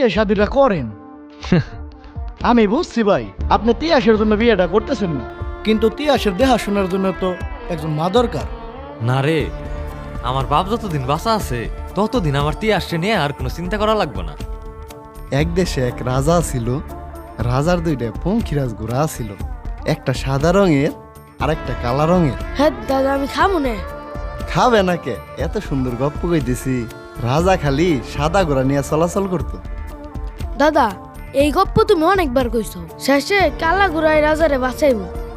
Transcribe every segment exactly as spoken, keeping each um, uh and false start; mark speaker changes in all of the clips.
Speaker 1: বিয়ে শাদিটা করেন। আমি বুঝছি ভাই, আপনি তিয়াসের জন্য বিয়েটা করতেছেন না, কিন্তু তিয়াসের দেখাশোনার জন্য তো একজন মা দরকার।
Speaker 2: না রে, আমার বাপ যতদিন বাঁচা আছে ততদিন আমার তিয়াসে নিয়ে আর কোনো চিন্তা করা লাগবে না।
Speaker 3: এক দেশে এক রাজা ছিল। রাজার দুইটা পঙ্খিরাজ ঘোড়া ছিল, একটা সাদা রঙের আর একটা কালা রঙের।
Speaker 4: হ্যাঁ দাদা, আমি খাবো না।
Speaker 3: খাবে না কে? এত সুন্দর গপ্প কইতেছি। রাজা খালি সাদা ঘোড়া নিয়ে চলাচল করতো।
Speaker 4: দাদা, এই গপ্প তুমি অনেকবার কইছো, শেষে কালা ঘুরাই রাজারে বাঁচাইব।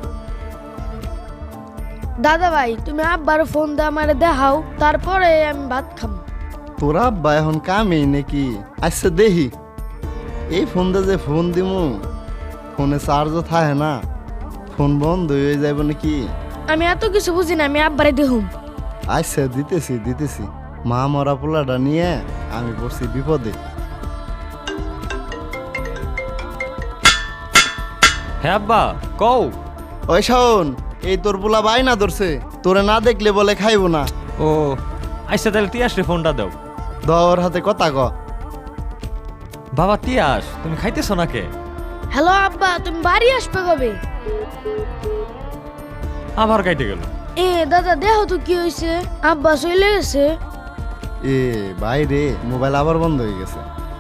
Speaker 4: দাদা ভাই, তুমি আব্বার ফোন দিয়ে আমারে দেখাও, তারপরে আমি ভাত খাবো।
Speaker 3: তোরা আব্বা এখন কামেই নাকি? আচ্ছা দেখি, এই ফোন দিয়ে যে ফোন দিমু, ফোনে চার্জও থাকে না, ফোন বন্ধ হয়ে যাবে নাকি?
Speaker 4: আমি এত কিছু বুঝি না, আমি আব্বারে দেখুম।
Speaker 3: আচ্ছা দিতেছি দিতেছি। মা মরা পোলাটা নিয়ে আমি পড়ছি বিপদে।
Speaker 2: হ্যাঁ আব্বা, কও।
Speaker 3: ওই শোন, এই তোর পোলা বাই না ধরছে, তোরে না দেখলে বলে খাইবো না।
Speaker 2: ও আচ্ছা, তাহলে তিয়াসরে ফোনটা দাও।
Speaker 3: দর হাতে কথা ক।
Speaker 2: বাবা তিয়াস, তুমি খাইতেছো না কে?
Speaker 4: হ্যালো আব্বা, তুমি বাড়ি আসবে কবে?
Speaker 2: আবার খাইতে গেল।
Speaker 4: এ দাদা, দেখো তো কি হয়েছে, আব্বা চলে গেছে।
Speaker 3: এ বাইরে মোবাইল আবার বন্ধ হয়ে গেছে।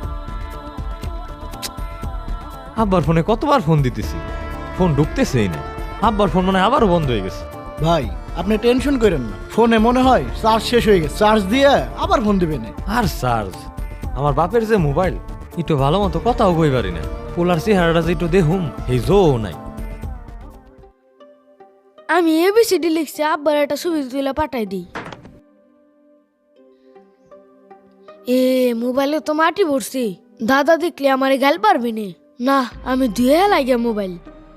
Speaker 2: আব্বার ফোনে কতবার ফোন দিতেছি, ফোন ঢুকতেছেই না। আব্বার ফোন মানে আবারও বন্ধ হয়ে গেছে।
Speaker 1: ভাই আপনি টেনশন করেন না, ফোনে মনে হয় চার্জ শেষ হয়ে গেছে, চার্জ দিয়ে আবার ফোন দিবেন।
Speaker 2: আর চার্জ, আমার বাপের যে মোবাইল, একটু ভালো মতো কথাও কই পারি না। পোলার চেহারাটা যে একটু দেখুম, এই জো নাই।
Speaker 4: আমি এবিসিডি লিখছি, আব্বার একটা ছবি তুলে পাঠাই দিই। এ মোবাইলে তো মাটি ভরছি, দাদা দেখলে আমারে গাল পারবি নে। না, আমি ধুয়ে লাগে মোবাইল।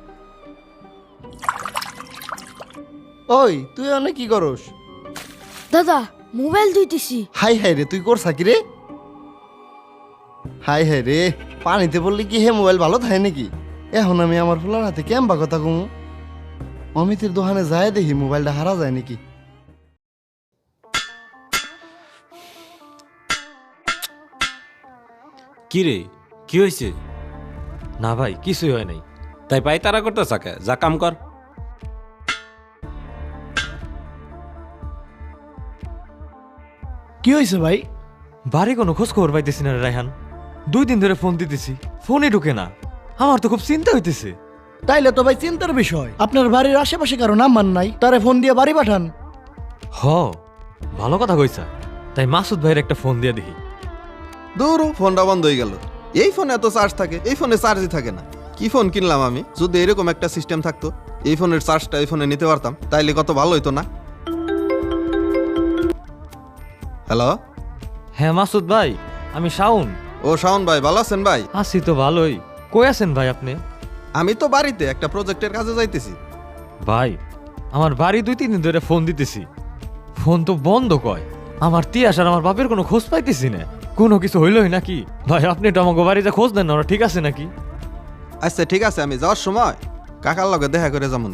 Speaker 3: ওই তুই অনেক কি করস?
Speaker 4: দাদা, মোবাইল ধুইতেছি।
Speaker 3: হাই হাই রে, তুই করছা কি রে? হাই হাই রে, পানিতে বললি কি হে মোবাইল ভালো থাকে নাকি? এখন আমি আমার ফুলার হাতে কেমবা কথা কমু? অমিতের দোকানে যায় দেখি মোবাইলটা হারা যায় নাকি।
Speaker 5: কি রে, কি হয়েছে?
Speaker 2: না ভাই, কিছুই হয় নাই।
Speaker 5: তাই পাই তারা করতে চাকে, যা কাম কর।
Speaker 1: কি হয়েছে ভাই?
Speaker 2: বাড়ি কোনো খোঁজ খবর পাইতেছি না রে রায়হান। দুই দিন ধরে ফোন দিতেছি, ফোনই ঢুকে না। আমার তো খুব চিন্তা হইতেছে।
Speaker 1: তাইলে তো ভাই চিন্তার বিষয়, আপনার বাড়ির আশেপাশে কারো নাম্বার নাই, তারে ফোন দিয়ে বাড়ি পাঠান।
Speaker 2: হ, ভালো কথা কইছা। তাই মাসুদ ভাইয়ের একটা ফোন দিয়ে দেখি।
Speaker 6: দূর, ফোনটা বন্ধ হয়ে গেল। এই ফোনে এত চার্জ থাকে, এই ফোনে চার্জই থাকে না। কি ফোন কিনলাম আমি, যদি এরকম একটা সিস্টেম থাকতো, এই ফোনের চার্জটা এই ফোনে নিতে পারতাম, তাইলে কত ভালো হইতো না? হ্যালো।
Speaker 2: হ্যাঁ মাসুদ ভাই, আমি শাওন।
Speaker 6: ও শাওন ভাই, ভালো আছেন ভাই?
Speaker 2: আছি তো ভালোই। কই আছেন ভাই আপনি?
Speaker 6: আমি তো বাড়িতে একটা প্রজেক্টের কাজে যাইতেছি।
Speaker 2: ভাই, আমার বাড়ি দুই তিন দিন ধরে ফোন দিতেছি, ফোন তো বন্ধ কয়। আমার তিয়াস আর আমার বাপের কোনো খোঁজ পাইতেছি না। কোনো কিছু হইলই নাকি? ভাই আপনি তো আমাকে বাড়িতে খোঁজ দেন না, ওরা ঠিক আছে নাকি?
Speaker 6: আচ্ছা ঠিক আছে, আমি যাওয়ার সময় কাকার লগে দেখা করে যেমন।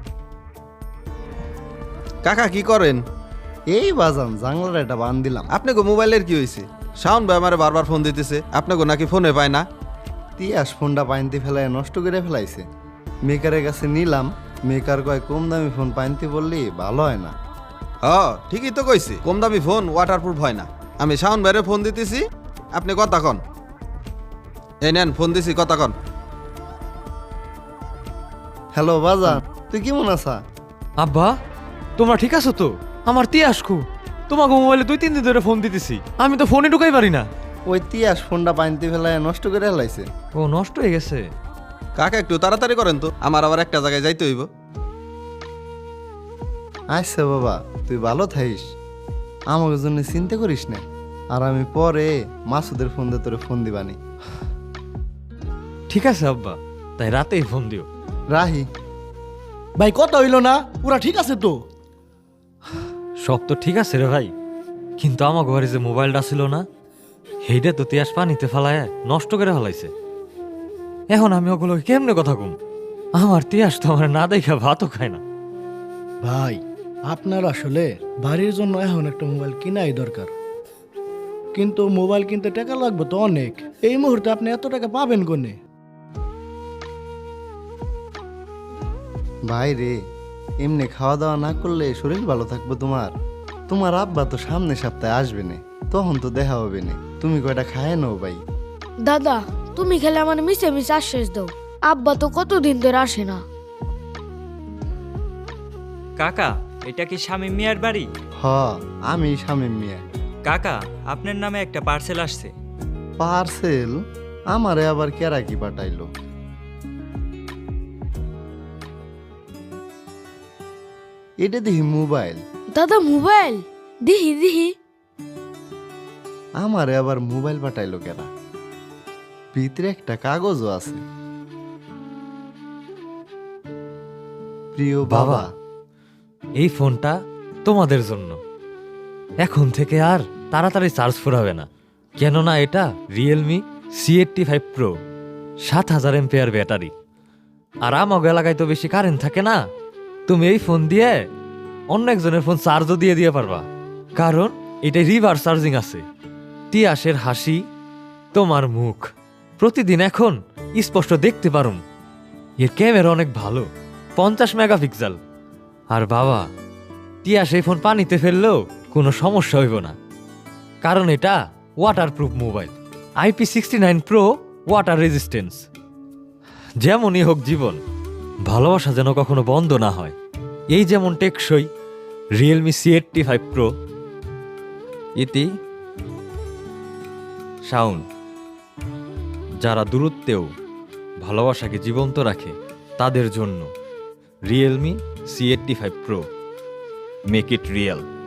Speaker 6: কাকা কি করেন?
Speaker 3: এই বাজান জাংলার একটা বান দিলাম।
Speaker 6: আপনাকে মোবাইলের কি হয়েছে? শাওন ভাই আমার বারবার ফোন দিতেছে, আপনাকে নাকি ফোনে পায় না।
Speaker 3: তিয়াস ফোনটা পানিতে ফেলায় নষ্ট করে ফেলাইছে। মেকারের কাছে নিলাম, মেকার কয় কম দামি ফোন পানিতে বললি ভালো হয় না।
Speaker 6: হ্যাঁ ঠিকই তো কইছে, কম দামি ফোন ওয়াটারপ্রুফ হয় না। আমি শাওন ভাইরে ফোন দিতেছি, আপনি কথা কন। এই নেন ফোন দিছি, কথা কন।
Speaker 3: হ্যালো বাজান, তুই কেমন আছা?
Speaker 2: আব্বা, তোমরা ঠিক আছো তো? আমার তিয়াস কু, তোমাকে মোবাইলে দুই তিন দিন ধরে ফোন দিতেছি, আমি তো ফোনে ঢুকাই পারি না।
Speaker 3: ওই তিয়াস ফোনটা পানিতে ফেলায় নষ্ট করে ফেলাইছে।
Speaker 2: ও নষ্ট হয়ে গেছে।
Speaker 6: কাকা একটু তাড়াতাড়ি করেন তো, আমার আবার একটা জায়গায় যাইতে হইব।
Speaker 3: আচ্ছা বাবা, তুই ভালো থাইস, আমাকে জন্য চিন্তা করিস না। আর আমি পরে মাসুদের ফোন দিয়ে তোরে ফোন দিবানি।
Speaker 2: ঠিক আছে আব্বা, তাই রাতেই ফোন দিও।
Speaker 3: রাহি।
Speaker 1: ভাই কথা হইল না, পুরা ঠিক আছে তো?
Speaker 2: সব তো ঠিক আছে রে ভাই, কিন্তু আমার ঘরে যে মোবাইলটা ছিল না, সেইটা তো তিয়াস পানিতে ফেলায় নষ্ট করে ফেলাইছে। এখন আমি ওগুলো কেমনে কথা কম? আমার তিয়াস তো আমার না দেখা ভাতও খায় না।
Speaker 1: ভাই আপনার আসলে বাড়ির জন্য এখন একটা মোবাইল কিনাই দরকার। কিন্তু মোবাইল কিনতে টাকা লাগবে তো অনেক। এই মুহূর্তে আপনি এত টাকা পাবেন কোনে?
Speaker 3: ভাই রে, এমনি খাওয়া দাওয়া না করলে শরীর ভালো থাকবে তোমার? তোমার আব্বা তো সামনে সপ্তাহে আসবে না, তখন তো দেখা হবে না। তুমি কয়টা খায় নাও ভাই।
Speaker 4: দাদা তুমি খেলে আমার মিশে মিশে আশ্বাস দাও, আব্বা তো কতদিন ধরে আসে না।
Speaker 7: কাকা, এটা কি শামীম মিয়ার বাড়ি?
Speaker 3: হ, আমি শামীম মিয়া।
Speaker 7: কাকা, আপনার নামে একটা পার্সেল আসছে।
Speaker 3: পার্সেল? আমারে আবার কেরা কি পাঠাইলো? এটা দেখি মোবাইল।
Speaker 4: দাদা মোবাইল দিহি দিহি।
Speaker 3: আমারে আবার মোবাইল পাঠাইলো কেরা? ভিতরে একটা কাগজও আছে। প্রিয় বাবা,
Speaker 2: এই ফোনটা তোমাদের জন্য। এখন থেকে আর তাড়াতাড়ি চার্জ ফুরাবে না, কেননা এটা Realme C eighty five pro, সাত হাজার এমপিআর ব্যাটারি। আর আমাকে এলাকায় তো বেশি কারেন্ট থাকে না, তুমি এই ফোন দিয়ে অন্য একজনের ফোন চার্জও দিয়ে দিয়ে পারবা, কারণ এটা রিভার্স চার্জিং আছে। তিয়াসের হাসি, তোমার মুখ প্রতিদিন এখন স্পষ্ট দেখতে পারুম। এর ক্যামেরা অনেক ভালো, পঞ্চাশ মেগাপিক্সেল। আর বাবা, তিয়াস এই ফোন পানিতে ফেললেও কোনো সমস্যা হইব না, কারণ এটা waterproof mobile, IP sixty nine pro water resistance. যেমনই হোক জীবন, ভালোবাসা যেন কখনো বন্ধ না হয়। এই যেমন টেকসই Realme C eighty five pro. ইতি সাউন্ড, যারা দূরত্বেও ভালোবাসাকে জীবন্ত রাখে তাদের জন্য Realme C eighty five pro, make it real.